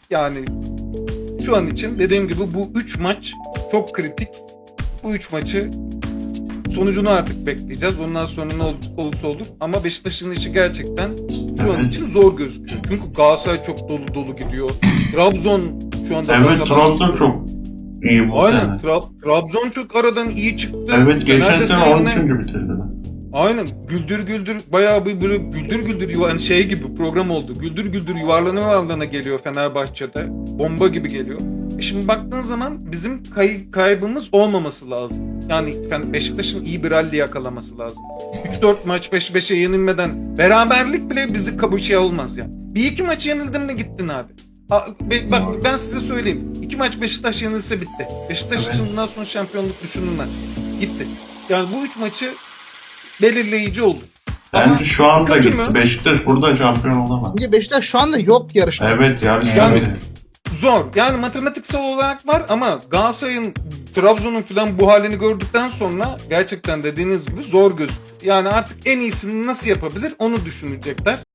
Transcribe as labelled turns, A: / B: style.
A: Yani şu an için dediğim gibi bu 3 maç çok kritik. Bu 3 maçı sonucunu artık bekleyeceğiz. Ondan sonra ne olursa olur. Ama Beşiktaş'ın işi gerçekten şu an
B: Evet.
A: için zor gözüküyor. Çünkü Galatasaray çok dolu dolu gidiyor. Trabzon şu anda
B: Evet,
A: basa
B: Trabzon
A: basa.
B: çok iyi bu
A: Aynen.
B: sene.
A: Trabzon çok aradan iyi çıktı.
B: Evet, geçen
A: Fener de
B: sene
A: seninle-
B: 13. bitirdiler.
A: Aynen. Güldür güldür bayağı bir böyle güldür güldür yani şey gibi program oldu. Güldür güldür yuvarlana geliyor Fenerbahçe'de. Bomba gibi geliyor. Şimdi baktığın zaman bizim kaybımız olmaması lazım. Yani Beşiktaş'ın iyi bir rally yakalaması lazım. 3-4 maç peş peşe yenilmeden beraberlik bile bizi şey olmaz yani. Bir iki maç yenildin mi gittin abi. Bak ben size söyleyeyim. 2 maç Beşiktaş yenilse bitti. Beşiktaş
B: Evet.
A: için bundan sonra şampiyonluk düşünülmez. Gitti. Yani bu 3 maçı belirleyici oldu.
B: Bence şu anda
A: kötü
B: gitti.
A: mü?
B: Beşiktaş burada şampiyon olamaz.
C: Bence Beşiktaş şu anda yok yarışta.
B: Evet, yarışta
A: Yani-
B: bile.
A: Zor. Yani matematiksel olarak var ama Galatasaray'ın, Trabzon'un falan bu halini gördükten sonra gerçekten dediğiniz gibi zor gözüküyor. Yani artık en iyisini nasıl yapabilir onu düşünecekler.